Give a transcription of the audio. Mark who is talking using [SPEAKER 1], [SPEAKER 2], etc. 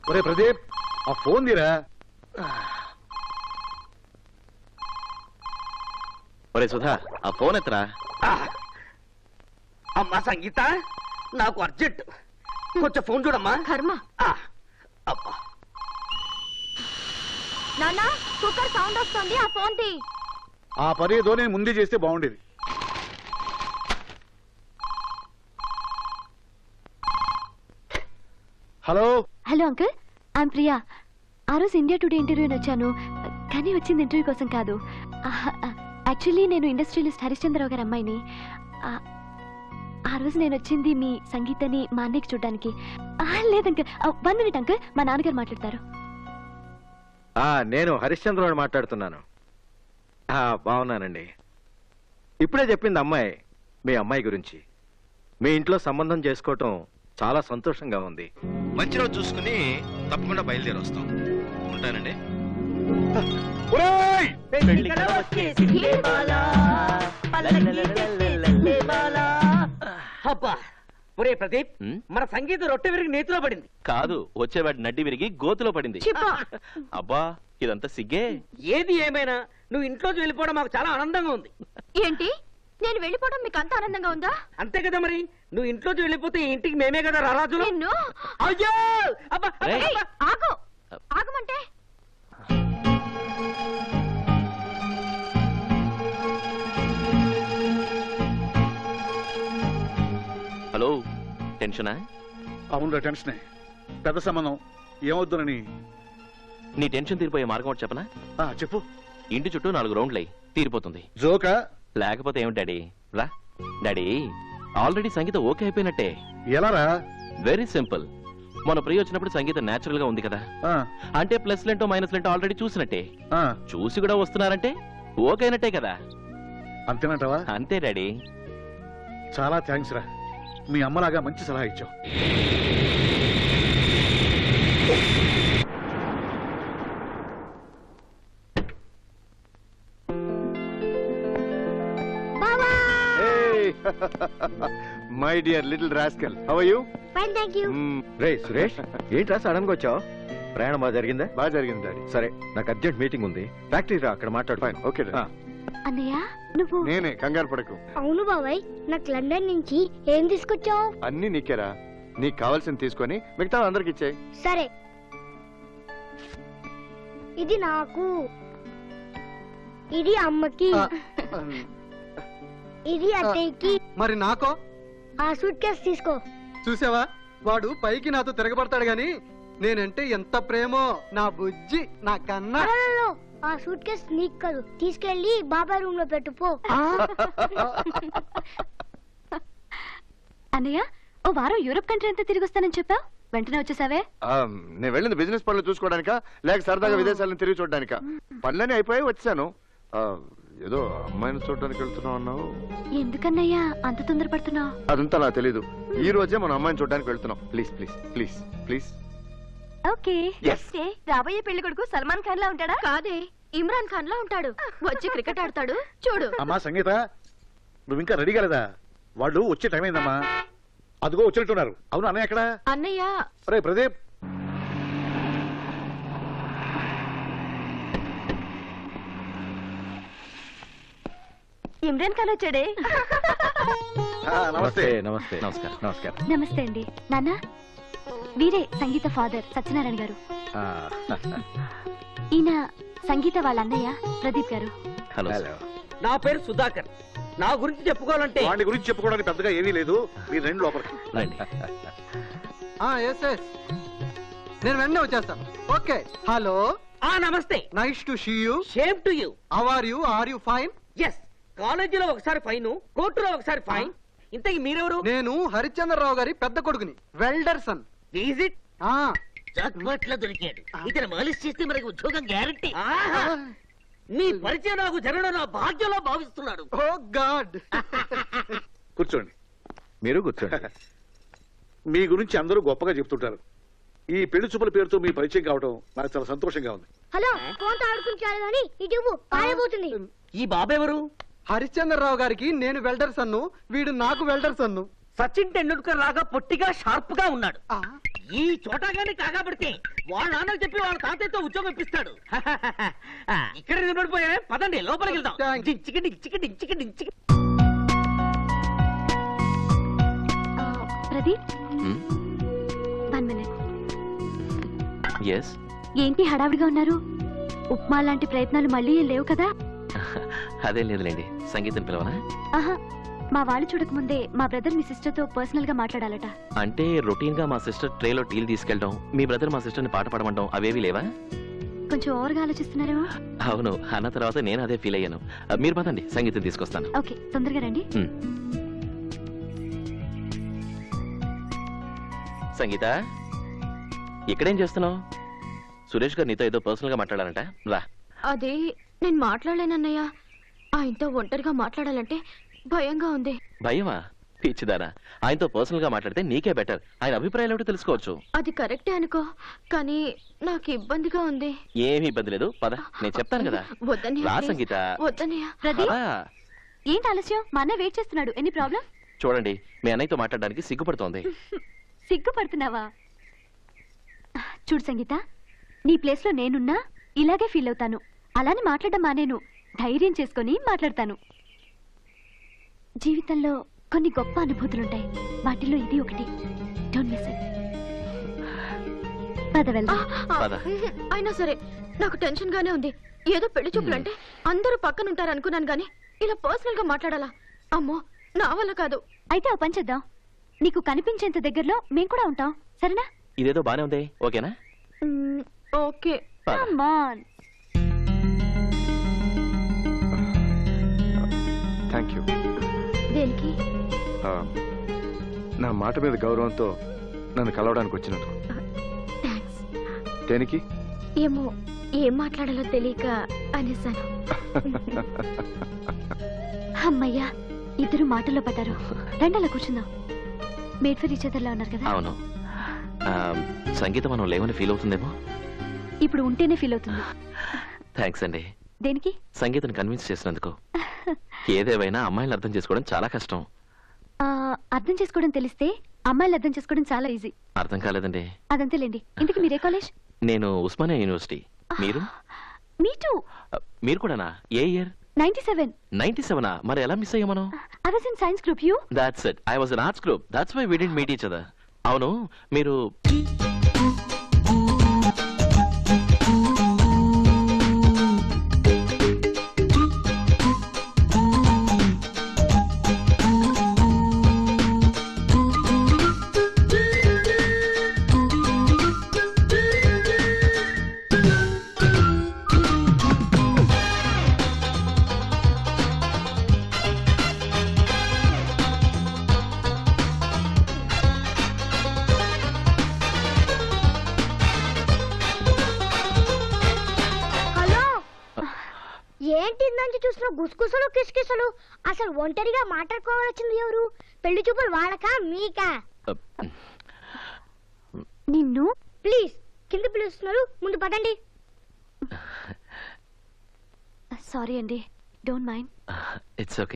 [SPEAKER 1] ఒరే ప్రదీప్, ఆ ఫోన్ తీరా.
[SPEAKER 2] ఒరే సుధా, ఆ ఫోన్ ఎత్తరా.
[SPEAKER 3] అమ్మా సంగీత, నాకు అర్జెంట్, కొంచెం ఫోన్ చూడమ్మా.
[SPEAKER 4] కర్మ.
[SPEAKER 3] అబ్బా,
[SPEAKER 4] నాన్న కుక్కర్ సౌండ్ వస్తుంది, ఆ ఫోన్ తీ.
[SPEAKER 1] ఆ పని ఏదో నేను ముందే చేస్తే బాగుండేది. Hello
[SPEAKER 4] hello uncle, I'm Priya. ఆ రోజు ఇండియా టుడే ఇంటర్వ్యూని వచ్చాను, కానీ వచ్చింది ఇంటర్వ్యూ కోసం కాదు. యాక్చువల్లీ నేను ఇండస్ట్రియలిస్ట్ హరిశ్చంద్రరావు గారి అమ్మాయిని. ఆ రోజు నేను వచ్చింది మీ సంగీతని మా అన్నయ్యకి చూడడానికి. లేదు అంకుల్, 1 minute అంకుల్, మా నాన్నగారు మాట్లాడతారు.
[SPEAKER 2] నేను హరిశ్చంద్రరావు మాట్లాడుతున్నాను. బాగున్నానండి. ఇప్పుడే చెప్పింది అమ్మాయి మీ అమ్మాయి గురించి. మీ ఇంట్లో సంబంధం చేసుకోవటం చాలా సంతోషంగా ఉంది. మంచి రోజు చూసుకుని తప్పకుండా బయలుదేరి వస్తాం. ఉంటానండి.
[SPEAKER 3] అబ్బా, ఒరే ప్రదీప్, మన సంగీత రొట్టె విరిగి నేతిలో పడింది.
[SPEAKER 2] కాదు, వచ్చేవాడి నడ్డి విరిగి గోతులో పడింది. అబ్బా, ఇదంతా సిగ్గే.
[SPEAKER 3] ఏది ఏమైనా నువ్వు ఇంట్లోకి వెళ్ళిపోవడం మాకు చాలా ఆనందంగా ఉంది.
[SPEAKER 4] ఏంటి, నేను వెళ్ళిపోవడం మీకు అంత ఆనందంగా ఉందా?
[SPEAKER 3] అంతే కదా మరి, నువ్వు ఇంట్లోకి వెళ్ళిపోతే ఈ ఇంటికి మేమే కదా రారాజులు. అయ్యో, అబ్బా,
[SPEAKER 4] ఆగు, ఆగమంటే.
[SPEAKER 2] హలో, టెన్షనా?
[SPEAKER 1] అవునురా, టెన్షనే. పెద్ద సంబంధం, ఏమవుతుందని.
[SPEAKER 2] నీ టెన్షన్ తీరిపోయే మార్గం ఒకటి చెప్పనా?
[SPEAKER 1] చెప్పు.
[SPEAKER 2] ఇంటి చుట్టూ 4 రౌండ్లు అయ్యి తీరిపోతుంది.
[SPEAKER 1] జోకా?
[SPEAKER 2] లేకపోతే ఏమిటి డాడీ? రా డాడీ, ఆల్రెడీ సంగీత ఓకే అయిపోయినట్టే.
[SPEAKER 1] ఎలారా?
[SPEAKER 2] Very simple. మన ప్రియ వచ్చినప్పుడు సంగీత నేచురల్ గా ఉంది కదా, అంటే ప్లస్ లెంటో మైనస్ లెంటో ఆల్రెడీ చూసినట్టే. చూసి కూడా వస్తున్నారంటే ఓకే అయినట్టే కదా.
[SPEAKER 1] అంతేనంటావా?
[SPEAKER 2] అంతే డాడీ.
[SPEAKER 1] చాలా థ్యాంక్స్ రా, మీ అమ్మలాగా మంచి సలహా ఇచ్చావు.
[SPEAKER 5] My dear little rascal, how are you?
[SPEAKER 4] Fine, thank you.
[SPEAKER 2] రే సురేష్, ఏంట్రా సడన్ గా వచ్చావు? ప్రయాణం బాగా జరిగిందా?
[SPEAKER 5] బాగా జరిగింది డాడీ.
[SPEAKER 2] సరే, నాకు అర్జెంట్ మీటింగ్ ఉంది, ఫ్యాక్టరీ రా, అక్కడ మాట్లాడు.
[SPEAKER 5] Fine, okay daddy.
[SPEAKER 4] అన్నయ్య, నువ్వు?
[SPEAKER 5] నేనే, కంగారు పడకు.
[SPEAKER 4] అవును బాబాయ్, నాకు లండన్ నుంచి ఏం తీసుకొచ్చావు?
[SPEAKER 5] అన్ని నీకేరా, నీకు కావాల్సింది తీసుకొని మిగతా అందరికి ఇచ్చేయి.
[SPEAKER 4] సరే, ఇది నాకు, ఇది అమ్మకి, ఇది అత్తయ్యకి.
[SPEAKER 6] మరి నాకో?
[SPEAKER 4] ఆ సూట్ కేసు తీసుకో.
[SPEAKER 6] చూసావా, వాడు పైకి నాతో తిరగబడతాడు గాని నేనంటే ఎంత ప్రేమో నా బుజ్జి, నా కన్నా.
[SPEAKER 4] ఆ సూట్ కేసు నీకు కాదు, తీసుకెళ్లి బాబాయ్ రూమ్ లో పెట్టుపో. అన్నయ్య, ఓ వారం యూరోప్ కంట్రీ అంతా తిరిగి వస్తానని చెప్పావు, వెంటనే వచ్చేసావే?
[SPEAKER 5] నేను వెళ్ళింది బిజినెస్ పనులు చూసుకోవడానికా, లేక సరదాగా విదేశాలను తిరిగి చూడడానికా? పనులన్నీ అయిపోయి వచ్చాను. ఏదో అమ్మాయిని చూడడానికి వెళ్తున్నావు అన్నావు.
[SPEAKER 4] ఎందుకన్నయ్యా అంత తొందరపడుతున్నావు?
[SPEAKER 5] అదంతా నాకు తెలీదు. ఈ రోజే మనం అమ్మాయిని చూడడానికి వెళ్తున్నాం. Please please please please.
[SPEAKER 4] Okay. రాబోయే పెళ్లి కొడుకు సల్మాన్ ఖాన్ లా ఉంటాడా? కాదే, ఇమ్రాన్ ఖాన్ లా ఉంటాడు. వచ్చి క్రికెట్ ఆడతాడు, చూడు.
[SPEAKER 1] అమ్మా సంగీత, నువ్వు ఇంకా రెడీ కాలేదా? వాళ్ళు వచ్చే టైం అయిందమ్మా. అదిగో వచ్చినట్టున్నారు. అవును, అన్నయ్య ఎక్కడ?
[SPEAKER 4] అన్నయ్య.
[SPEAKER 1] రే ప్రదీప్,
[SPEAKER 4] ఇమ్రాన్ ఖాన్ వచ్చాడే.
[SPEAKER 1] నమస్తే.
[SPEAKER 2] నమస్తే. నమస్కారం. నమస్కారం.
[SPEAKER 4] నమస్తే అండి. నాన్న, వీరే సంగీత ఫాదర్ సత్యనారాయణ గారు. ఈయన సంగీత వాళ్ళ అన్నయ్య ప్రదీప్ గారు.
[SPEAKER 2] హలో.
[SPEAKER 3] నా పేరు సుధాకర్. నా గురించి చెప్పుకోవాలంటే
[SPEAKER 1] వాడి గురించి చెప్పుకోవడానికి పెద్దగా ఏమీ లేదు. మీరు రెండు లోపలికి
[SPEAKER 2] రండి.
[SPEAKER 6] నేను వెంటనే వచ్చేస్తాను. ఓకే. హలో.
[SPEAKER 3] నమస్తే.
[SPEAKER 6] Nice to see you.
[SPEAKER 3] Same to you.
[SPEAKER 6] How are you? Are you fine?
[SPEAKER 3] Yes. కాలేజీలో ఒకసారి ఫైన్, కోర్టులో ఒకసారి ఫైన్. ఇంతకీ మీరెవరు?
[SPEAKER 6] నేను హరిశ్చంద్రరావు గారి పెద్ద కొడుకుని, వెల్డర్సన్.
[SPEAKER 3] Is it? జాక్పాట్లో దొరికాడు. ఇతను మాలిష్ చేస్తే మనకి ఉద్యోగం గ్యారంటీ. నీ పరిచయం నాకు జరగడం నా భాగ్యంలో భావిస్తున్నాడు.
[SPEAKER 6] ఓ గాడ్.
[SPEAKER 1] కూర్చోండి.
[SPEAKER 2] మీరు కూర్చోండి.
[SPEAKER 1] మీ గురించి అందరూ గొప్పగా చెప్తుంటారు. ఈ పెళ్లి చూపుల పేరుతో మీ పరిచయం కావడం నాకు చాలా సంతోషంగా ఉంది.
[SPEAKER 4] హలో, ఫోన్ ఆడుకుంటాడు కానీ ఇటు పారిపోతుంది.
[SPEAKER 3] ఈ బాబెవరు?
[SPEAKER 6] హరిశ్చంద్రరావు గారికి నేను వెల్డర్సన్ను, వీడు నాకు వెల్డర్సన్ను.
[SPEAKER 3] సచిన్ టెండూల్కర్ లాగా పొట్టిగా షార్ప్ గా ఉన్నాడు. ఈ చోటాగాని కాగాబడితే వాళ్ళ నాన్నకు చెప్పి వాళ్ళ తాతయ్యతో ఉద్యోగం ఇప్పిస్తాడు. ఇక్కడ నిలబడిపోయా, పదండి లోపలికి వెళ్దాం.
[SPEAKER 6] Thanks.
[SPEAKER 3] Chicken chicken chicken chicken.
[SPEAKER 4] Pradeep 1 minute.
[SPEAKER 7] Yes
[SPEAKER 4] ఏంటి హడావిడిగా ఉన్నారు? ఉప్మా లాంటి ప్రయత్నాలు మళ్ళీ లేవు కదా?
[SPEAKER 7] అదేం లేదులేండి. సంగీతం పిలవనా?
[SPEAKER 4] ఆహా, మా వాళ్ళు చూడకముందే మా బ్రదర్ మీ సిస్టర్ తో పర్సనల్ గా మాట్లాడాలట.
[SPEAKER 7] అంటే రొటీన్ గా మా సిస్టర్ ట్రేలో టీలు తీసుకెళ్ళడం, మీ బ్రదర్ మా సిస్టర్ ని పాట పాడమంటాం అవేవి లేవా?
[SPEAKER 4] కొంచెం ఓవర్గా ఆలోచిస్తున్నారేమో.
[SPEAKER 7] అవును, అన్న తర్వాత నేను అదే ఫీల్ అయ్యాను. మీరు పదండి, సంగీతం తీసుకొస్తాను.
[SPEAKER 4] ఓకే, తొందరగా రండి.
[SPEAKER 7] సంగీత, ఇక్కడేం చేస్తున్నావు? సురేష్ గారు నీతో ఏదో పర్సనల్ గా మాట్లాడాలంట, రా.
[SPEAKER 4] అదే నేను మాట్లాడలేనన్నయ్య. ఆయనతో ఒంటరిగా మాట్లాడాలంటే భయంగా ఉంది.
[SPEAKER 7] భయమా? పిచ్చిదానా, ఆయనతో పర్సనల్ గా మాట్లాడితే నీకే బెటర్. ఆయన అభిప్రాయాలు ఏమిటో తెలుసుకోవచ్చు.
[SPEAKER 4] అది కరెక్టే అనుకో, కానీ నాకు ఇబ్బందిగా ఉంది.
[SPEAKER 7] ఏమీ ఇబ్బంది లేదు, పద, నేను చెప్తాను కదా.
[SPEAKER 4] వద్దన్నయ్య,
[SPEAKER 7] రా
[SPEAKER 4] please.
[SPEAKER 7] సంగీత.
[SPEAKER 4] వద్దన్నయ్య. ప్రదీప్,
[SPEAKER 7] రా.
[SPEAKER 4] ఏంటి ఆలస్యం? మా అన్న వెయిట్ చేస్తున్నాడు. Any problem?
[SPEAKER 7] చూడండి, మీ అన్నయ్యతో మాట్లాడడానికి సిగ్గుపడుతోంది.
[SPEAKER 4] సిగ్గుపడుతున్నావా? చూడు సంగీత, నీ ప్లేస్ లో నేనున్నా ఇలాగే ఫీల్ అవుతాను. అలానే మాట్లాడడం మానేను, ధైర్యం చేసుకొని మాట్లాడతాను. జీవితంలో కొన్ని గొప్ప అనుభూతులుంటాయి, వాటిలో ఇది ఒకటి. Don't miss it. పద వెళ్దాం.
[SPEAKER 7] పద.
[SPEAKER 4] అయినా సరే నాకు టెన్షన్ గానే ఉంది. ఏదో పెళ్లి చూపులంటే అందరూ పక్కన ఉంటారు అనుకున్నాను గానీ ఇలా పర్సనల్ గా మాట్లాడాలా? అమ్మో, నా వల్ల కాదు. అయితే ఓ పని చేద్దాం, నీకు కనిపించేంత దగ్గరలో మేం కూడా ఉంటాం, సరేనా?
[SPEAKER 7] ఇదేదో బానే ఉంది, ఓకేనా?
[SPEAKER 4] ఓకే.
[SPEAKER 7] పద.
[SPEAKER 4] Come on.
[SPEAKER 5] Thank you.
[SPEAKER 4] దేనికి?
[SPEAKER 5] నా మాట మీద గౌరవంతో నన్ను కలవడానికి వచ్చినందుకు.
[SPEAKER 4] థ్యాంక్స్.
[SPEAKER 5] దేనికి?
[SPEAKER 4] ఏమో, ఏం మాట్లాడాలో తెలియక అనేసాను. అమ్మయ్యా, ఇద్దరు మాటల్లో పడ్డారు. రెండలా కూర్చుందాం. మేడ్ ఫర్ ఈచ్ అదర్లా ఉన్నారు కదా?
[SPEAKER 7] అవును. సంగీత మనం లేవని ఫీల్ అవుతుందేమో.
[SPEAKER 4] ఇప్పుడు ఉంటేనే ఫీల్ అవుతుంది.
[SPEAKER 7] థ్యాంక్స్ అండి.
[SPEAKER 4] దేనికి?
[SPEAKER 7] సంగీతను కన్విన్స్ చేసినందుకు. ఏదేవైనా అమ్మాయిని అర్థం చేసుకోవడం చాలా కష్టం.
[SPEAKER 4] అర్థం చేసుకోవడం తెలిస్తే అమ్మాయిలు అర్థం చేసుకోవడం చాలా ఈజీ.
[SPEAKER 7] అర్థం కాలేదండి.
[SPEAKER 4] అదంతేలేండి. ఇంతకీ మీరే కాలేజ్?
[SPEAKER 7] నేను ఉస్మానియా యూనివర్సిటీ. మీరు?
[SPEAKER 4] మీ టూ.
[SPEAKER 7] మీరు కూడానా? ఏ ఇయర్?
[SPEAKER 4] 97.
[SPEAKER 7] 97. మరి ఎలా మిస్ అయ్యా మనం?
[SPEAKER 4] I was in science group. You?
[SPEAKER 7] That's it, I was in arts group. That's why we didn't meet each other. అవును, మీరు
[SPEAKER 8] హలో, ఏంటి నుంచి చూస్తున్న గుసగుసలు కిసకిసలు? అసలు ఒంటరిగా మాట్లాడుకోవాల్సింది ఎవరు? పెళ్లి చూపులు వాళ్ళకా మీకా?
[SPEAKER 4] నిన్ను?
[SPEAKER 8] ప్లీజ్, కింద పిలుస్తున్నారు, ముందు పదండి.
[SPEAKER 4] సారీ అండి, డోంట్ మైండ్.
[SPEAKER 7] It's okay.